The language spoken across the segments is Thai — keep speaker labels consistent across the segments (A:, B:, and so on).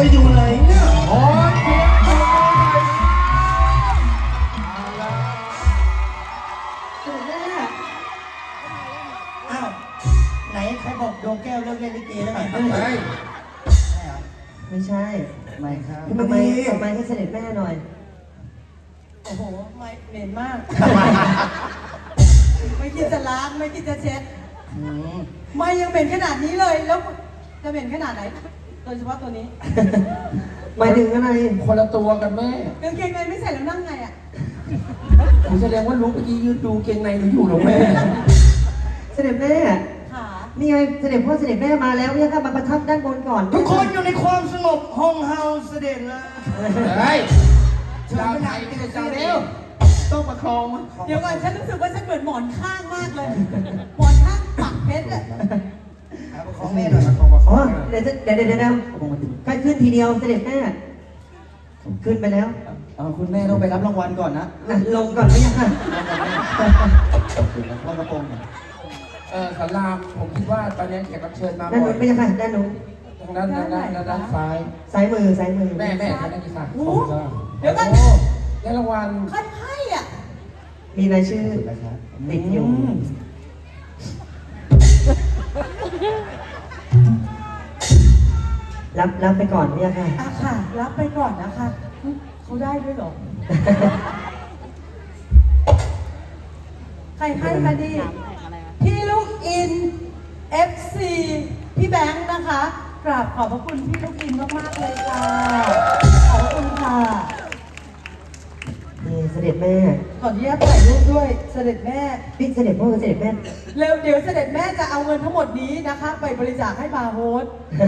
A: อยู่ไหนเนี่ย
B: โอ้ยเสียงโอ้ย
A: อ้าวไหนใครบอกดวงแก้วเลิกเล่นลิเกแล้วไง
B: เฮ้ย
C: ไม่ใช่
A: ไม่ครับ
C: ทำไมให้เสด็จแม่หน่อย
D: โอ้โหไม่เหม็นมาก ไม่คิดจะล้างไม่คิดจะเช็ดไม่ยังเหม็นขนาดนี้เลยแล้วจะเหม็นขนาดไหนโดยเฉพาะตัวนี้
C: หมายถึงอะไร
B: คนละตัวกันแม่
D: กางเกงในไม่ใส่แล้วนั่งไงอ่ะ
B: ผมแสดงว่าลุกเมื่อกี้ยืนดูเกงในหนูอยู่หรอแม่
C: เสด็จแม่
D: ขา
C: นี่ไงเสด็จพ่อเสด็จแม่มาแล้วเนี่ยค่ะมาประทับด้านบนก่อน
A: ทุกคนอยู่ในความสงบห้องเฮาเสด็จแล้ว
B: เฮ้ยชาวไทยไม่ได้ชาวเดียวต้องประคองมัน
D: เดี๋ยวก่อนฉันรู้สึกว่าฉันเหมือนหมอนข้างมากเลย หมอนข้างปักเพชรอ่ะ
A: ของแม่หน่อย
C: อ๋อเดี๋ยวใครขึ้นทีเดียวเสด็จแม่ขึ้นไปแล้ว
A: คุณแม่ต้องไปรับรางวัลก่อนนะ
C: ลงก่อนไม่ยังค่ะ
A: รองกระโปรง
B: สารามผมคิดว่าตอนนี้แขกรับเชิญมา
C: ด้าน
B: บ่อ
C: นู้
B: ย
C: นไม่ยังค่ะด้านนู้น
B: ทางด้านซ้าย
C: ซ้ายมือ
B: แม่ทางด้านที่ซ้าย
D: โอ้โหเดี๋ยวก่อน
B: ได้รางวัล
D: ใครให้อ่ะ
C: มีรายชื่อติดอยู่รับไปก่อนไม่ยังค่ะ
D: อ่ะค่ะ รับไปก่อนนะคะเขาได้ด้วยเหรอ ใครให้มาดิพี่ลูกอิน FC พี่แบงค์นะคะ กราบขอบพระคุณพี่ลูกอินมากๆเลยค่ะ ขอบพระคุณค่ะ
C: นี่เสด็จแม่
D: ขออนุญาตถ่ายรูปด้วยเสด็จแม่
C: พี่เสด็จพ่อกับเสด็จแม่
D: เร็วเดี๋ยวเสด็จแม่จะเอาเงินทั้งหมดนี้นะคะ ไปบริจาคให้บาร์โฮส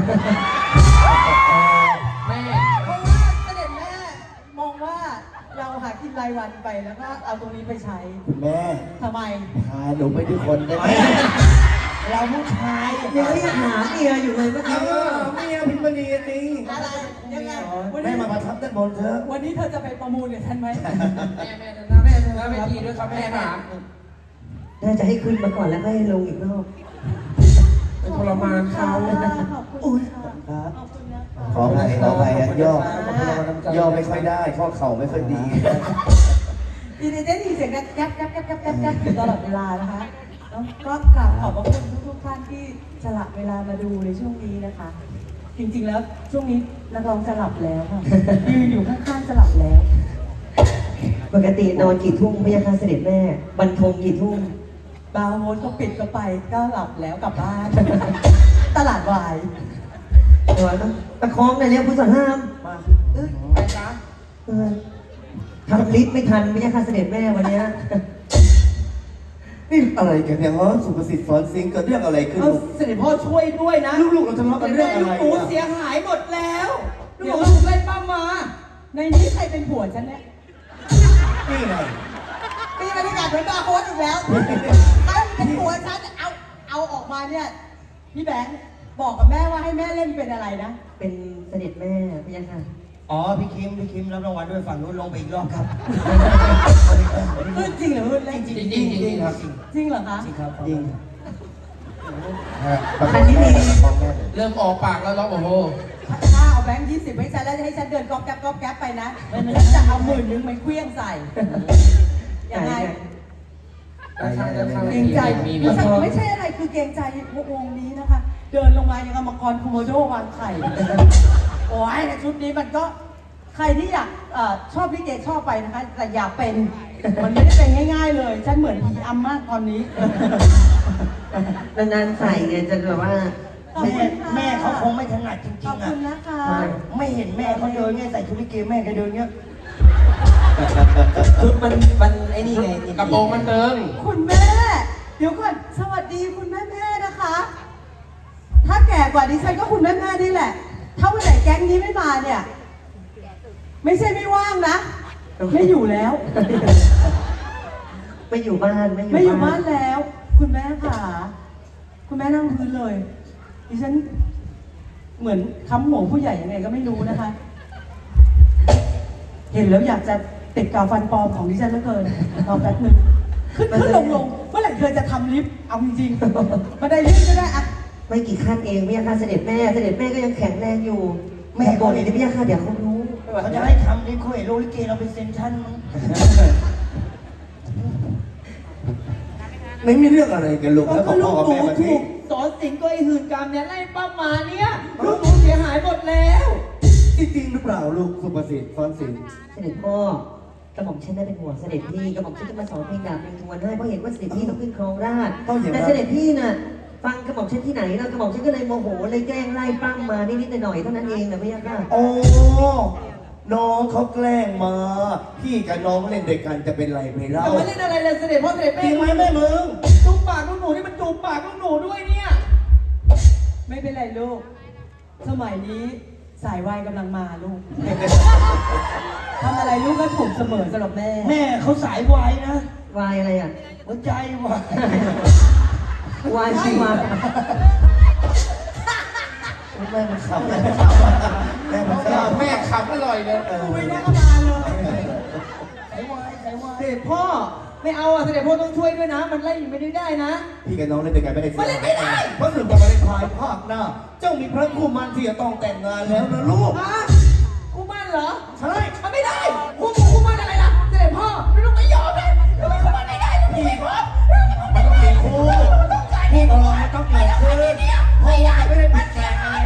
B: แม่
D: เพราะว่าเสด็จแม่มองว่าเราหากินรายวันไปแล้วก็เอาตรงนี้ไปใช้
A: คุณแม่
D: ทำไม
A: พาหนูไปด้วยคนได้ไหมเราผู้ชาย
C: ยังเรียกหาเมียอยู่เลยเมื่อกี้
A: เมียพิมพ์นีนี่
D: อะไรยังไงวัน
A: แม่
D: นี้
A: มาประทับด้านบนเถอะ
D: วันนี้เธอจะไปประมูลกับฉันไหม
B: แม่นะเวทีด้วยครับแม่ค่ะ
C: น่าจะให้ขึ้นมาก่อนแล้วก็ให้ลงอีกรอบ
B: เป็นทรมานเขา
D: ขอบคุณค่ะ
A: ครับ
D: ขอบคุณนะ
A: ขอไปย่อไม่ค่อยได้ข้อเข่าไม่ค่อยดี
D: ดีดีได้ยินเสียงแก๊บอยู่ตลอดเวลานะคะแล้วก็กราบขอบพระคุณทุกท่านที่สละเวลามาดูในช่วงนี้นะคะ จริงๆแล้วช่วงนี้นักร้องจะหลับแล้วค่ะยืนอยู่ข้างๆจะหลับแล้ว
C: ปกตินอนกี่ทุ่มไม่ยังค่ะเสด็จแม่บรรทมกี่ทุ่ม
D: บาร์โฮสก็ปิดก็ไปก็หลับแล้วกลับบ้าน ตลาดวาย
C: เดี๋ยวนะประคองหน่อยเร็วผู้สอนห้าม
A: มา
B: ไปจ้า
C: เออทำลิฟต์ไม่ทันไม่ยังค่ะเสด็จแม่วันเนี้ย
A: นี่อะไรกันเนี่ยฮะสุภสิทธิ์สอนซิงเกิดเรื่องอะไรขึ้น
D: เอาเสด็จพ่อช่วยด้วยนะ
A: ลูกๆเราทะเลาะกันเรื่องอะไร
D: หนูเสียหายหมดแล้วเดี๋ยวลูกเล่นป้ามา ในนี้ใครเป็นผัวฉันเนี่ย
A: นี่ไง
D: มีบรรยากาศเหมือนบาร์โฮสอีกแล้วใครเป็นผัวฉันเอาออกมาเนี่ยพี่แบงค์บอกกับแม่ว่าให้แม่เล่นเป็นอะไรนะ
C: เป็นเสด็จแม่ไม่ยังค่ะ
A: อ๋อพี่คิมรับรางวัลด้วยฝั่งนู้นลงไปอีกรอบครับ
D: พูดจริงหรือพูดเล่น
A: จริงจริงครับ
D: จริงเหรอคะ
A: จริงครับจริง
C: อันนี้มี
B: เริ่มออกปากแล้วร้องโอ้โห
D: ถ้าเอาแบงค์20ให้ฉันแล้วจะให้ฉันเดินก๊อบแก๊บไปนะแล้วจะเอา10,000ไปเคลี้ยงใส่ยังไง เกรงใจไม่ใช่อะไรคือเกรงใจวงนี้นะคะ เดินลงมายังกรรมกรโคโมโดวางไข่ โอ้ยชุดนี้มันก็ใครที่อยากชอบลิเกชอบไปนะคะ แต่อย่าเป็นมันไม่ได้เป็นง่าย ๆ เลย ฉันเหมือนผีอำมากตอนนี้
C: นานๆใส่ไงจะแบบว่า
A: แม่เขาคงไม่ถนัดจริ
D: ขอบ
A: งๆ
D: คุ
A: อ่ะ
D: ณนะคะ
A: ไม่เห็นแม่เขาเดินเงี้ยใส่ชุดลิเกแม่เขาเดินเงี้ย
C: ชุดมันไอ้นี่ไง
B: กระโปรงมันเติง
D: คุณแม่ เดี๋ยวก่อนสวัสดีคุณแม่นะคะ ถ้าแก่กว่าดิฉันก็คุณแม่นี่แหละ ถ้าวันไหนแก๊งนี้ไม่มาเนี่ย ไม่ใช่ไม่ว่างนะ ไม่อยู่แล้ว
C: ไม่อยู่บ้าน
D: ไม่อยู่บ้านแล้ว คุณแม่ค่ะ คุณแม่นั่งพื้นเลย ดิฉันเหมือนค้ำหัวผู้ใหญ่ยังไงก็ไม่รู้นะคะ เห็นแล้วอยากจะติดกาวฟันปลอมของดิฉันเหลือเกินรอแป๊บนึงขึ้นลงเมื่อไหร่เธอจะทำลิฟต์เอาจริงๆมาได้ลิฟต์ก็ได้อะ
C: ไม่กี่ขั้นเองไม่ยังค่ะเสด็จแม่ก็ยังแข็งแรงอยู่ ไแม่บอกเลยนะพี่ยาค่ะเดี๋ยวเขารู้
B: เขาจะให้ทำดิคุยโรลิเกเราเป็นเซนชั่นมั้ง
A: ไม่มีเรื่องอะไรกันลูกแล้วบอก
D: ลู
A: พ่อก กับ
D: หนู
A: แม่มา
D: ถู
A: ที่
D: กสอนสิงก็ไอหื่นกรรมเนี่ยไล่ป้ามาเนี่ยลูกหนูเสียหายหมดแล้ว
A: จริงหรือเปล่าลูกสุภสิทธิ์ซ้อนสิน
C: เสด็จพ่อกระหม่อมฉันได้เป็นห่วงเสด็จพี่กระหม่อมฉันจะมาสอนเพลงดาบเพลงทวนให้เพราะเห็นว่าเสด็จพี่ต้องขึ้นครองราชย์แต่เสด็จพี่น่ะฟังกระหม่อมฉันที่ไหนแล้วกระหม่อมฉันก็เลยโมโหเลยแกล้งไล่ปั้มมานิดๆหน่อยๆเท่านั้นเองนะพี่ยาค่ะ
A: โอ้น้องเขาแกล้งมา พี่กับน้องเล่นด้วยกันจะเป็นไรไปเล่า
D: แต่ไม่เล่นอะไรเลยเสด็จพ่อเสด็จ
A: จ
D: แม่
A: ริงไหมแม่มึง
D: จูบปากลูกหนูนี่มันจูบปากลูกหนูด้วยเนี่ย ไม่เป็นไรลูก สมัยนี้สายวายกำลังมาลูก ทำอะไรลูกก็ถูกเสมอสำหรับแม่
B: แม่เขาสายวายนะ
C: วายอะไรอ่ะ
B: หัวใจวายว
C: ายชีวา
A: แม่มันขำแม่มันขำแม่มันขำ
B: แม่ขับอร่อยเลย
D: กูไม่ได้ก็มาเลย
B: สายวายสายวาย
D: เสด็จพ่อไม่เอาอ่ะเสด็จพ่อต้องช่วยด้วยนะ มันไล่ไม่ได้นะ
A: พี่กับน้องเล่นด้วยกันไม่ได้
D: มันเล่นไม่ได้
A: เพราะสึกว่ามาเล่นพายภาคหน้า เจ้ามีพระคู่มันที่จะต้องแต่งงานแล้วนะลูก
D: ฮะกูมั่นเหรอ
A: ใช่
D: มันไม่ได้กูมั่นอะไรล่ะเสด็จพ่อลูกไม่ยอมเลยทำไมกูมั่นไม่ได้ลูกไม่ยอม
A: มันต้องมีคู่คู่ตลอดมันต้องเกิดขึ้นเพราะว่าไม่ได้เป็นแข่งอะไร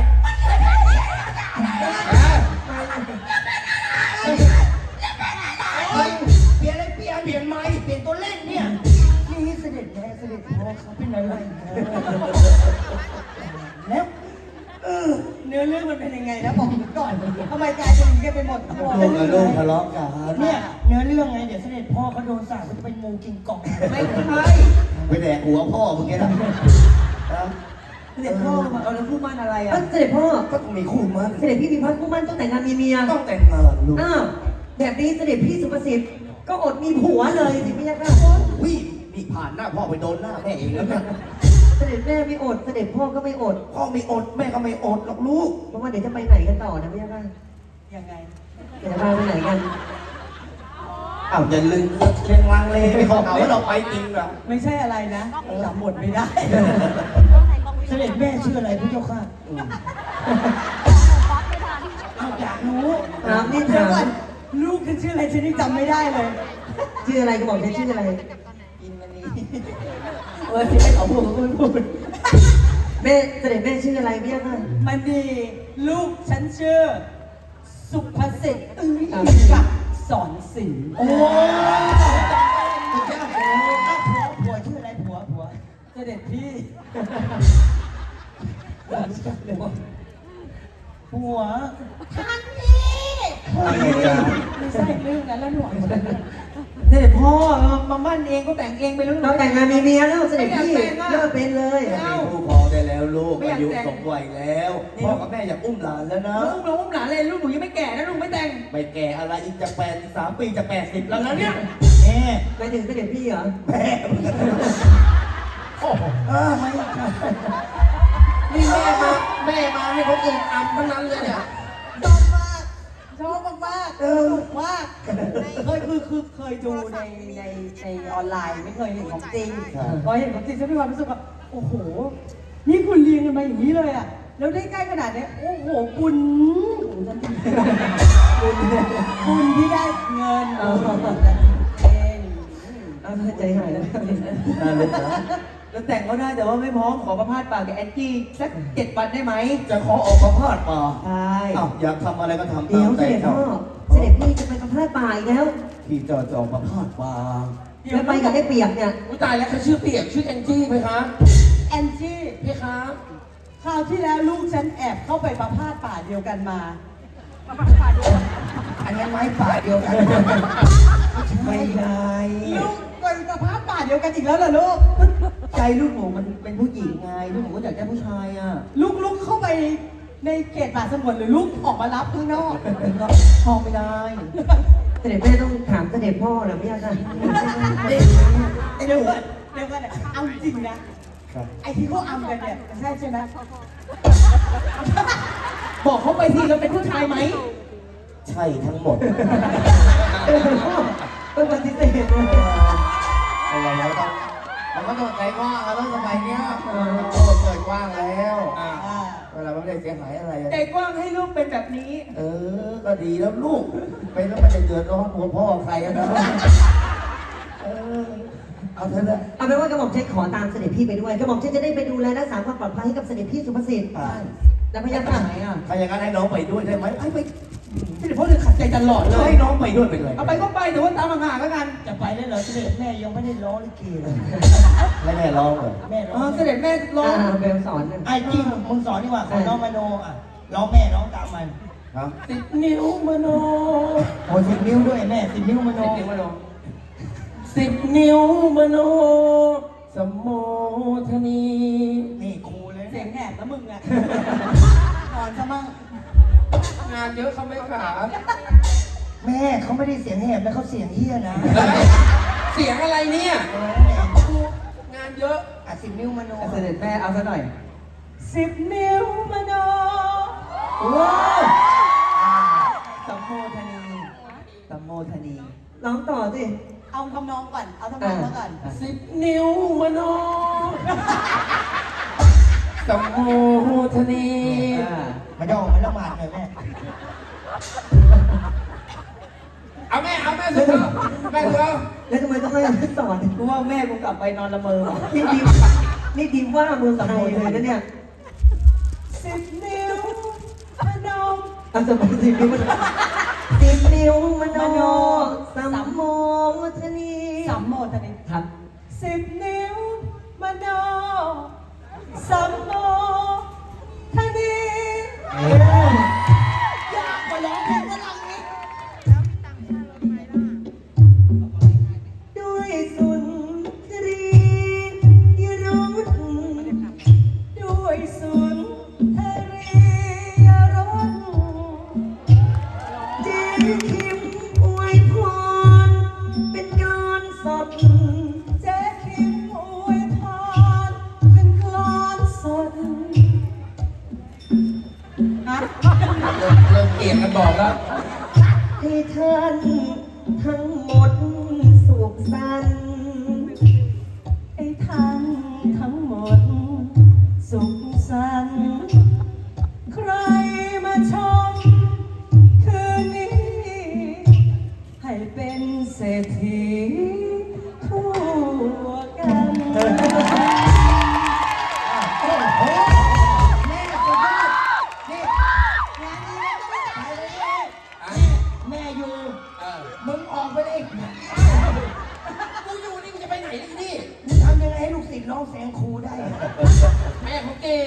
A: เปลี่ยนอะไรเปลี่ยนไม้เปลี่ยนตัวเล่นเนี่ย
B: นี่เสด็จแม่เสด็จพ่อเขาเป็นอะไรแล้ว
D: เนื้อเรื่องมันเป็นยังไงนะบอกผมก่อนทำไมกลายเป็นอย่างนี้กันไปหมดทั้งหมด
A: ลูกกับลูกทะเลาะกัน
B: เนี่ยเนื้อเรื่องไงเดี๋ยวเสด็จพ่อเขาโดนสาปเขาจะเป็นงูกินกล่อง
D: ไม่ใช่
A: ไปแดกหัวพ่อมึงแกนะ
D: เสด็จพ่อมาเอาแล้วพูดมั่นอะไรอ่ะ
C: เสด็จพ่อ
A: ก็ต้องมีคู่มัน
C: เสด็จพี่มีพักคู่มั่นต้องแต่งงานมีเมีย
A: ต้องแต่งงานลูก
C: อ้าวแบบนี้เสด็จพี่สุภสิทธิ์ก็อดมีผัวเลยสิพี่ยาค่ะ
A: วิ่นี่ผ่านหน้าพ่อไปโดนหน้าแม่เองแล้วเนี่ย
C: เสด็จแม่ไม่อดเสด็จพ่อก็ไม่อด
A: พ่อไม่อดแม่ก็ไม่อดหรอกลูก
C: เพราะว่าเดี๋ยวจะไปไหนกันต่อนะพี่ยาค่ะ
D: ยังไง
C: เดี๋ยวจะพาไปไหนกัน
A: อ้าวอย่าลืมเชียงลังเลไม่เขาเอาว่าเราไปจริงเหรอ
D: ไม่ใช่อะไรนะจำหมดไม่ได้
B: เสด็จแม่ชื่ออะไรพระเจ้าค่ะเอาอยากรู้
C: ถามนี่
D: เดี๋ย
C: ถาว
D: ก่อ
C: ม
D: นลูกฉันชื่ออะไรฉันยังจำไม่ได้เลย
C: ชื่ออะไรก็บอกฉันชื่ออะไร
B: กินมันนี้
D: ที่ไม่ขอพูดพูด
C: แม่เสด็จแม่ชื่ออะไรพี่ยาค่ะ
D: มันดีลูกฉันชื่อ สุภสิทธิ์กับสอนศิลป์
B: โอ้ผัวชื่ออะไรผัว
D: เสด็จพี่
B: ผัว
D: ท่านพี่
A: อะไรกัน
D: ไม่ใช่เรื่องนั้นแล้วหนูเสด็จพ่อมามั่นเองก็แต่งเองไปเรื่อง
C: เราแต่งงานมีเมียแล้วเสด็จพี่เลิกเป็นเลย
A: มีคู่ครองได้แล้วลูกอายุสมวัยแล้วพ่อกับแม่อยากอุ้มหลานแล้วนะ
D: ลูกเราอุ้มหลานเลยลูกหนูยังไม่แก่นะลูกไม่แต่ง
A: ไม่แก่อะไรอีกจะ83 ปีจะ80แล้วนะเนี่ย
B: แม่
C: ไปถึงเสด็จพี่เหรอ
A: แม่ไม่
B: นี่แม่มาให้คนอื่นอำทั้งนั้นเลยเนี่ย
D: ชอบมากสนุกมากเคยดูในออนไลน์ไม่เคยเห็นของจริงพอเห็นของจริงฉันมีความรู้สึกว่าโอ้โห นี่คุณเรียนกันมาอย่างนี้เลยอ่ะแล้วได้ใกล้ขนาดนี้โอ้โหคุณที่ได้เงินเอง
C: ใจหายแล้ว
A: น่าเล่นนะ
D: แล้วแต่งก็ได้แต่ว่าไม่พร้อมขอประพาสปากกับแอนจี้สัก7 วันได้ไหม
A: จะขอออกมาพาดป่า
C: ใช่
A: อ้าวอยากทำอะไรก็ทำ
C: เดี๋
A: ตา
C: ยว
A: ม
C: เส
A: ใจ
C: ด็จ
A: เขา
C: พ่อเสด็จพี่จะไปกำพร้าป่าอีกแล้ว
A: พี่จะออกมาพาดป่า
C: แล้วไปกับไอ้เปียกเนี่ย
B: อุ้ยตายแล้วเขาชื่อเปียกชื่อแองจี้ไหมคะ
D: แอนจี้
B: พี่คะ
D: คราวที่แล้วลูกฉันแอบเข้าไปประพาสป่าเดียวกันมา
B: อันนั้นไม้ป่าเดียวกันไม่ได้
D: ลูกไปประพาสป่าเดียวกันอีกแล้วเหรอลูก
B: ใจลูกหนูมันเป็นผู้หญิงไงลูกหนูก็อยากได้ผู้ชายอ่ะ
D: ลูกเข้าไปในเขตป่าสงวนหรือลูกออกมารับข้างนอก
B: ห้องไม่ได้
C: เสด็จแม่ต้องถามเสด็จพ่อเหรอพี่ยาค่ะ
D: เดี๋ยวก่อนเอาจริงนะ
A: ครับ
D: ไอ้ที่เขาอำกันเนี่ยใช่ใช่ไหม
B: บอกเขาไปทีเราเป็นผู้ชายไหม
A: ใช่ทั้งหมด
C: เสด็จพ่อต้องปฏิเสธเลย
A: อะไรแล้วต้องมันก็ต้องใจกว้างแล้วสมัยเนี้ยโลกเกิดกว้างแล้ว
D: อ่า
A: เวลาไม่ได้ได้เสียหายอะไรอะ
B: ใจกว้างให้ลูกเป็นแบบนี้
A: เออ ก็ดีแล้วลูก ไปแล้วไม่ได้เดือดร้อนหัวพ่อใครอะนะเออ เอาเถอะนะ
C: เอาเป็นว่ากระหม่อมฉันขอตามเสด็จพี่ไปด้วยกระหม่อมฉันจะได้ไปดูแลรักษาความปลอดภัยให้กับเสด็จพี่สุภสิทธิ์แล้วพยา
B: ไป
C: ค่ะ
B: ไหนอ่ะ
A: ถ้าอย่างนั้นให้น้องไปด้วยได้ไหมไป
B: เสด็จพ่อเลยขัดใจตลอดเล
A: ให้
B: ย
A: น้องไปด้วยเป็นไร
B: เอาไปก็ไปแต่ว่าตามห่างๆแล้วกัน
E: จะไปได้เหรอเสด็จแม่ยังไม่ได้ร้องลิเกเลย
A: แล้วแม่ร้องเหรอ
E: แม่ร้
B: เอ
E: อง
B: อเสด็จแม่ร้อง
C: เบลสอนกัน
E: ไอ้จริงมึงสอนดีกว่าขอน้องมโนอ่ะร้องแม่ร้องตามมัน
A: ครับ
E: 10 นิ้วมโนโอ้10 นิ้วด้วยแม่10 นิ้วมโน
B: เดี๋ยวมาลอง
E: 10 นิ้วมโนสมโมทนีนี่ครูเลย
D: เสียงแหบแล้วมึงอ่ะนอนซะมั่ง
B: งานเยอะเขาไม่ขา
E: แม่เขาไม่ได้เสียงแหบนะเขาเสียงเฮี้ยนะ
B: เสียงอะไรเนี่ย งานเยอะ
E: อ่ะ10 นิ้วมโน
B: เสด็จแม่เอาซะหน่อย
D: 10 นิ้วมโน
B: ว้าว
E: สัมโมทนีสัมโมทนี
C: ร้องต่อสิ
D: เอาทำนองก่อน เอาทำนองมาก่อน
B: 10 นิ้วมโนสมโมทนี
E: มาย่อมาละหมาดหน่อยแม่
B: เอาแม่สุดเถอะแม่สุดเอา
C: แล้วทำไมต้องให้ฉันสอน
E: กูว่าแม่กูกลับไปนอนละเมอว่ะ
C: นี่ดีว่าเมืองไทยเลยนะเนี่ย
D: 10 นิ้วมโน
C: เอาสมมติ10 นิ้วมัน10 นิ้วมโนสัมโมทนี
D: สัมโมทนี
C: ครับ
D: 10 นิ้วมโนสัมโมทนียากกว่าร้องเพลงฝรั่งอีก
C: ด้วยสุนทรียรส
D: ด้วยสุนทรียรส
C: เจคิมอวยพรเป็นการสด
D: เจ๊คิมอวยพรเป็นกลอนสดฮะ
B: เริ่มเกลียดกันบอกแล้ว
C: ให้ท่านทั้งหมดสุขสันต์
D: ไอ้ท่านทั้งหมด สุขสันต์ใครมาชม คืนนี้ ให้เป็นเศรษฐีทั่วกัน
E: แม่อยู่ มึงออกไปเลย
B: กูอยู่นี่กูจะไปไหนล่ะนี่
E: มึงทำยังไงให้ลูกศิษย์ร้องแซงครูได้
B: แม่เขาเก่ง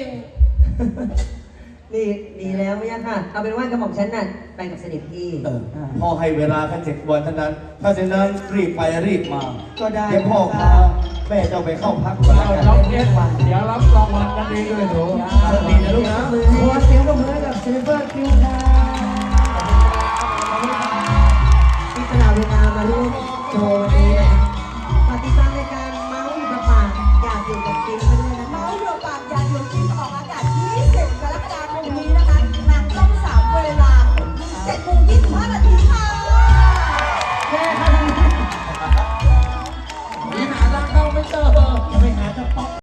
C: นี่ดีแล้วไม่ยากค่ะ เอาเป็นว่ากระหม่อมฉันน่ะไปกับเสด็จพี่
A: พ่อให้เวลาแค่7 วันเท่านั้น ถ้าเช่นนั้นรีบไปรีบมา
E: ก็ได้
A: เดี๋ยวพ่อพาแม่เจ้าไปเข้าพักก่อนแล้วกัน
E: เดี๋ยวรับรางวัลกันดีด้วยหนู
A: ดีนะลูกนะ
E: ขอเสียงปรบมือให้กับซิลเวอร์คิวค่ะ
C: ที่ตลาดเวลามาร่วมโชว์